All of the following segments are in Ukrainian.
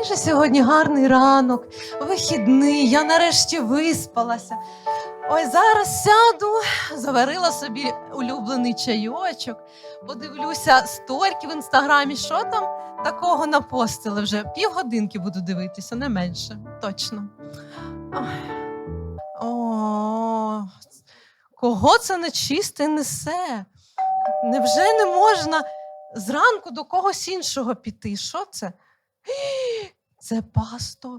який же сьогодні гарний ранок, вихідний, я нарешті виспалася. Ой, зараз сяду, заварила собі улюблений чайочок, подивлюся сторіки в інстаграмі, що там такого напостили вже. Півгодинки буду дивитися, не менше, точно. Ой. О, кого це нечисте несе? Невже не можна зранку до когось іншого піти? Що це? Це пастор.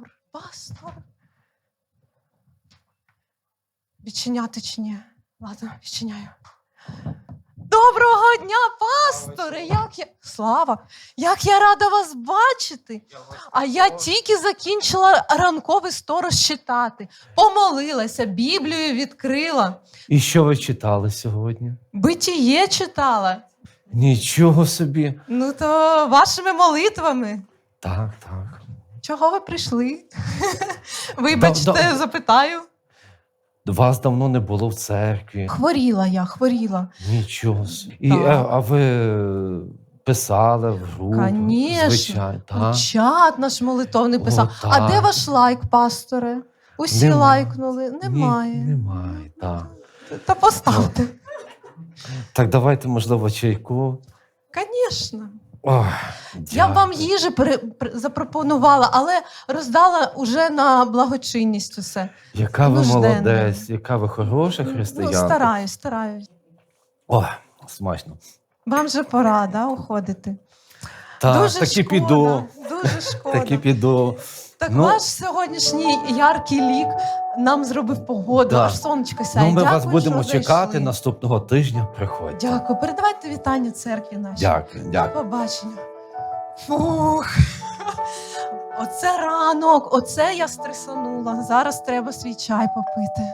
Відчиняти чи ні? Ладно, відчиняю. Доброго дня, пасторе! Слава! Як я рада вас бачити! А я тільки закінчила ранковий сторож читати. Помолилася, Біблію відкрила. І що ви читали сьогодні? Битіє читала. Нічого собі. Ну то вашими молитвами. Так. Чого ви прийшли? Вибачте, запитаю. Вас давно не було в церкві. Хворіла. Нічого собі. Так. А ви писали в групу? Конечно. Звичайно. Так. Чат наш молитовний писав. О, А так. де ваш лайк, пасторе? Усі Нема. лайкнули. Немає. Немає, так. Та поставте. Так, давайте, можливо, чайку. Звісно. Ох, Я б вам їжі запропонувала, але роздала уже на благочинність усе. Яка ви нужденна. молодець, яка ви хороша Ну, християнка. стараюсь. Ох, смачно. Вам же пора, да, уходити? Так, Дуже таки шкода, піду. Дуже шкода. Таки піду. Так Ну, ваш сьогоднішній яркий лік нам зробив погоду, Да. аж сонечко сяє. Ну, ми Дякую, вас будемо що чекати зайшли. наступного тижня. Приходьте. Дякую. Передавайте вітання церкві нашій. Дякую. До побачення. Фух. Оце ранок, оце я стресанула. Зараз треба свій чай попити.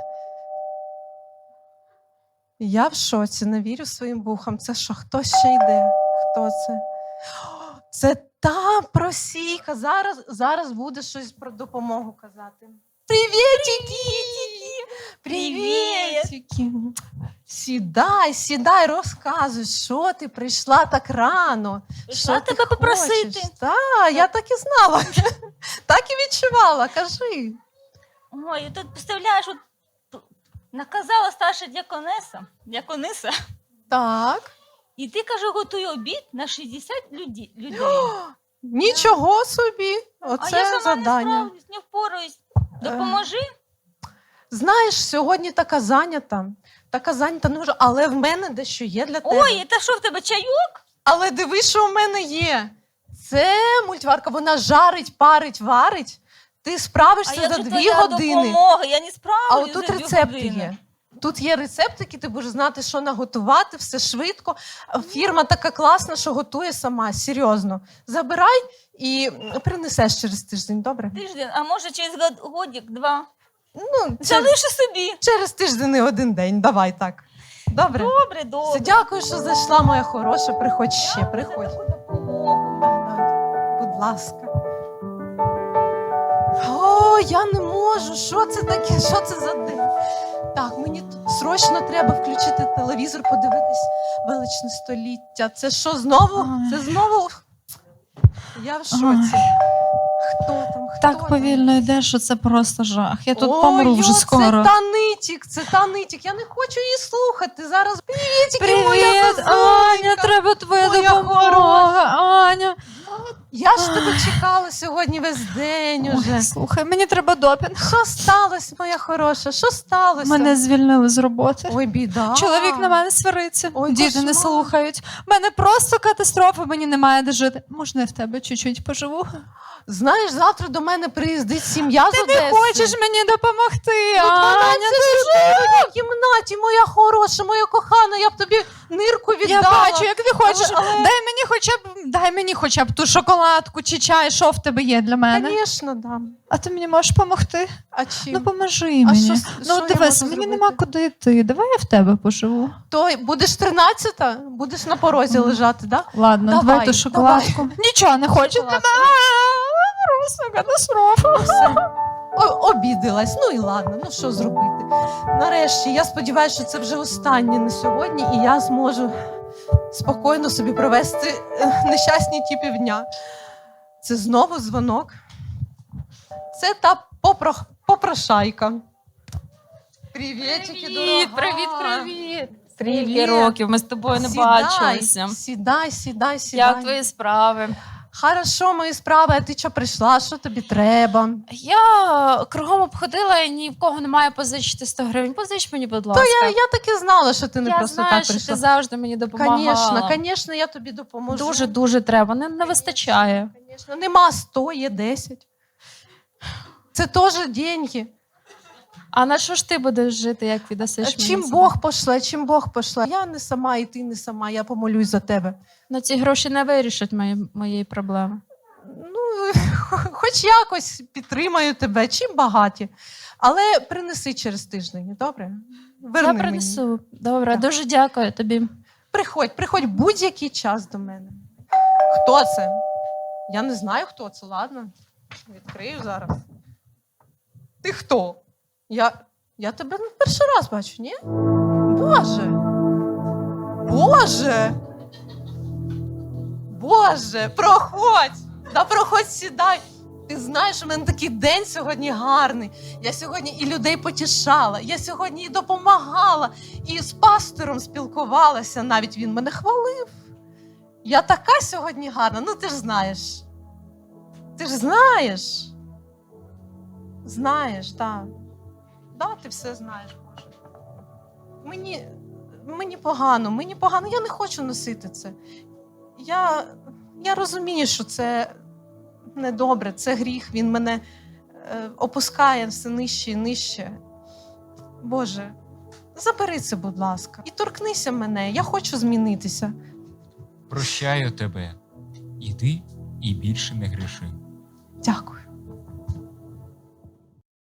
Я в шоці, не вірю своїм вухам. Це що, хто ще йде? Хто це? О, це та просійка. Зараз буде щось про допомогу казати. Привітики! Привітики! Сідай, розказуй, що ти прийшла так рано. Прийшла Що ти тебе попросити. хочеш? Так, я так і знала. Так і відчувала, кажи. Ой, тут, представляєш, наказала старша діакониса, Так. і ти, кажу, готуй обід на 60 людей. Нічого собі. А я Оце сама завдання. не справлюсь, не впораюсь. Допоможи. Знаєш, сьогодні така зайнята, ну, але в мене дещо є для тебе. Ой, та що в тебе, чайок? Але дивись, що в мене є. Це мультиварка, вона жарить, парить, варить. Ти справишся як за же 2 твоя години. допомога? Я не справлюсь А отут за 2 рецепти години. є. Тут є рецептики, ти будеш знати, що наготувати, все швидко. Фірма така класна, що готує сама, серйозно. Забирай і принесеш через тиждень, добре? Тиждень, а може через годик-два. Ну, Залиши собі. через тиждень і 1 день, давай так. Добре? Добре. Все, дякую, що зайшла, моя хороша. Приходь ще, приходь. За таку допомогу. Будь ласка. О, я не можу. Що це таке? Що це за день? Так, мені срочно треба включити телевізор, подивитись величне століття. Це що, знову? Ой. Це знову? Я в шоці. Хто там? Хто Так там? повільно йде, що це просто жах. Я тут Ой, помру вже йо, скоро. Це та нитік. Я не хочу її слухати. Зараз привітики, моя Привіт, зазуленька. Аня, треба твоя Моя допомога. Аня, Я ж тебе чекала сьогодні весь день уже. ой, слухай, мені треба допінг. Що сталося, моя хороша? Що сталося? Мене звільнили з роботи. Ой, біда. Чоловік на мене свариться, Ой, діти не кошмар. слухають. Мене просто катастрофа, мені немає де жити. Можна я в тебе чуть-чуть поживу? Знаєш, завтра до мене приїздить сім'я з Ти Одеси. не хочеш мені допомогти, Ну, 12 Аня? людей в кімнаті, моя хороша, моя кохана, я б тобі нирку віддала. Я бачу, як ти хочеш. Але- Дай мені хоча б ту шоколадку чи чай, що в тебе є для мене. Звісно, дам. А ти мені можеш допомогти? А чим? Ну, поможи мені. що Ну, я дивись, можу мені зробити? нема куди йти. Давай я в тебе поживу. То будеш 13-та? Будеш на порозі лежати, так? Да? Ладно, Давай, давай ту шоколадку. Нічого не хочу. Шоколадку. Просто катастрофа. Все. Обідалась. Ну і ладно, ну що зробити. Нарешті, я сподіваюся, що це вже останнє на сьогодні, і я зможу спокійно собі провести нещасні ті півдня. Це знову дзвонок. Це та попрошайка. Привітики, дорога. Привіт. Привіт. Скільки років ми з тобою не бачилися. Сідай. Як твої справи? Хорошо, мої справи, а ти що прийшла? Що тобі треба? Я кругом обходила і ні в кого не має позичити 100 гривень. Позич мені, будь ласка. Я так і знала, що ти не Я просто знаю, так що прийшла. ти завжди мені допомагала. Звісно, я тобі допоможу. Дуже треба. Не вистачає. Конечно. Нема 100, є 10. Це теж деньги. А на що ж ти будеш жити, як віддасиш мені? Чим це? Бог пошла. Я не сама, і ти не сама, я помолюсь за тебе. Ну, ці гроші не вирішать моєї проблеми. Ну, хоч якось підтримаю тебе, чим багаті. Але принеси через тиждень, добре? Верни Я мені. принесу. Добре, Так. дуже дякую тобі. Приходь будь-який час до мене. Хто це? Я не знаю, хто це, ладно. Відкрию зараз. Ти хто? Я тебе не перший раз бачу, ні? Боже, проходь! Проходь, сідай. Ти знаєш, у мене такий день сьогодні гарний. Я сьогодні і людей потішала, я сьогодні і допомагала, і з пастором спілкувалася, навіть він мене хвалив. Я така сьогодні гарна, ну ти ж знаєш. Знаєш, так. Да, ти все знаєш, Боже. Мені погано, я не хочу носити це. Я розумію, що це недобре, це гріх, він мене опускає все нижче і нижче. Боже, забери це, будь ласка, і торкнися мене, я хочу змінитися. Прощаю тебе. Іди і більше не гріши. Дякую.